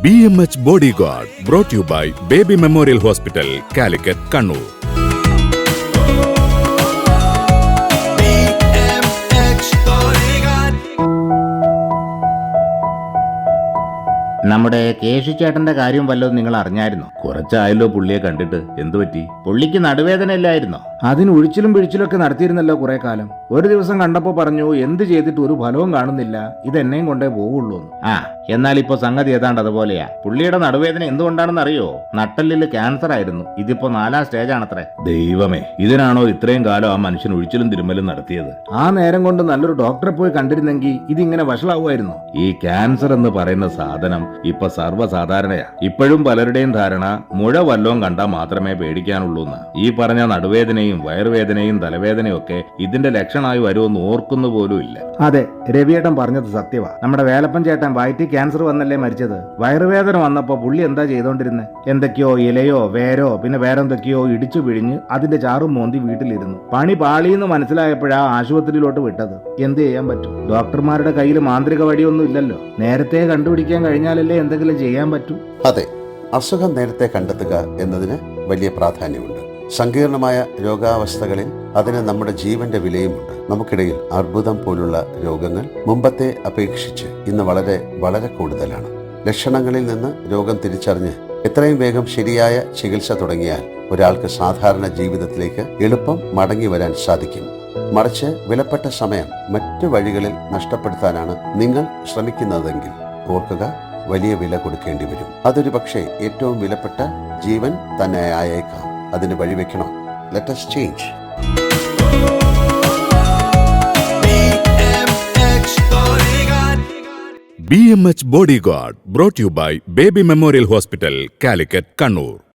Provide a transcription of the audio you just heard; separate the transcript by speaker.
Speaker 1: BMH Bodyguard, brought to you by Baby Memorial Hospital, Calicut, Kannur.
Speaker 2: നമ്മുടെ കേശുചേട്ടന്റെ കാര്യം വല്ലതും നിങ്ങൾ അറിഞ്ഞായിരുന്നോ? കുറച്ചായല്ലോ പുള്ളിയെ കണ്ടിട്ട്. എന്തു പറ്റി? പുള്ളിക്ക് നടുവേദന ഇല്ലായിരുന്നോ?
Speaker 3: അതിന് ഒഴിച്ചിലും പിഴിച്ചിലൊക്കെ നടത്തിയിരുന്നല്ലോ കുറെ കാലം. ഒരു ദിവസം കണ്ടപ്പോ പറഞ്ഞു എന്ത് ചെയ്തിട്ട് ഒരു ഫലവും കാണുന്നില്ല, ഇത് എന്നെയും കൊണ്ടേ പോവുള്ളൂ.
Speaker 2: എന്നാൽ ഇപ്പൊ സംഗതി ഏതാണ്ട് അതുപോലെയാ. പുള്ളിയുടെ നടുവേദന എന്തുകൊണ്ടാണെന്ന് അറിയോ? നട്ടെല്ലിൽ ക്യാൻസർ ആയിരുന്നു. ഇതിപ്പോ 4ാം സ്റ്റേജാണത്രേ.
Speaker 1: ദൈവമേ, ഇതിനാണോ ഇത്രയും കാലം ആ മനുഷ്യൻ ഒഴിച്ചിലും തിരുമ്മലും നടത്തിയത്?
Speaker 3: ആ നേരം കൊണ്ട് നല്ലൊരു ഡോക്ടറെ പോയി കണ്ടിരുന്നെങ്കിൽ ഇതിങ്ങനെ വഷളാവുമായിരുന്നു.
Speaker 1: ഈ ക്യാൻസർ എന്ന് പറയുന്ന സാധനം ഇപ്പൊ സർവ്വസാധാരണയാ. ഇപ്പോഴും പലരുടെയും ധാരണ മുഴ വല്ലോം കണ്ടാൽ മാത്രമേ പേടിക്കാനുള്ളൂന്ന്. ഈ പറഞ്ഞ നടുവേദനയും വയറുവേദനയും തലവേദനയും ഒക്കെ ഇതിന്റെ ലക്ഷണമായി വരുമെന്ന് ഓർക്കുന്നു പോലും ഇല്ല.
Speaker 3: അതെ, രവിയേട്ടൻ പറഞ്ഞത് സത്യവാ. നമ്മുടെ വേലപ്പൻ ചേട്ടൻ വയറ്റിൽ ക്യാൻസർ വന്നല്ലേ മരിച്ചത്. വയറുവേദന വന്നപ്പോ പുള്ളി എന്താ ചെയ്തോണ്ടിരുന്നത്? എന്തൊക്കെയോ ഇലയോ വേരോ പിന്നെ വേറെന്തൊക്കെയോ ഇടിച്ചു പിഴിഞ്ഞ് അതിന്റെ ചാറും മോന്തി വീട്ടിലിരുന്നു. പണി പാളിയെന്ന് മനസ്സിലായപ്പോഴാ ആശുപത്രിയിലോട്ട് വിട്ടത്. എന്ത് ചെയ്യാൻ പറ്റും? ഡോക്ടർമാരുടെ കയ്യിൽ മാന്ത്രിക വഴിയൊന്നും ഇല്ലല്ലോ. നേരത്തെ കണ്ടുപിടിക്കാൻ കഴിഞ്ഞാലല്ലേ എന്തെങ്കിലും ചെയ്യാൻ പറ്റൂ.
Speaker 4: അതെ, അസുഖം നേരത്തെ കണ്ടെത്തുക എന്നതിന് വലിയ പ്രാധാന്യമുണ്ട്. സങ്കീർണമായ രോഗാവസ്ഥകളിൽ അതിന് നമ്മുടെ ജീവന്റെ വിലയുമുണ്ട്. നമുക്കിടയിൽ അർബുദം പോലുള്ള രോഗങ്ങൾ മുമ്പത്തെ അപേക്ഷിച്ച് ഇന്ന് വളരെ വളരെ കൂടുതലാണ്. ലക്ഷണങ്ങളിൽ നിന്ന് രോഗം തിരിച്ചറിഞ്ഞ് എത്രയും വേഗം ശരിയായ ചികിത്സ തുടങ്ങിയാൽ ഒരാൾക്ക് സാധാരണ ജീവിതത്തിലേക്ക് എളുപ്പം മടങ്ങി വരാൻ സാധിക്കും. മറിച്ച് വിലപ്പെട്ട സമയം മറ്റു വഴികളിൽ നഷ്ടപ്പെടുത്താനാണ് നിങ്ങൾ ശ്രമിക്കുന്നതെങ്കിൽ ഓർക്കുക, വലിയ വില കൊടുക്കേണ്ടി വരും. അതൊരു പക്ഷേ ഏറ്റവും വിലപ്പെട്ട ജീവൻ തന്നെ ആയേക്കാം. അതിന് വഴിവെക്കണം. Let us change.
Speaker 1: BMH Bodyguard, brought to you by Baby Memorial Hospital, Calicut, Kannur.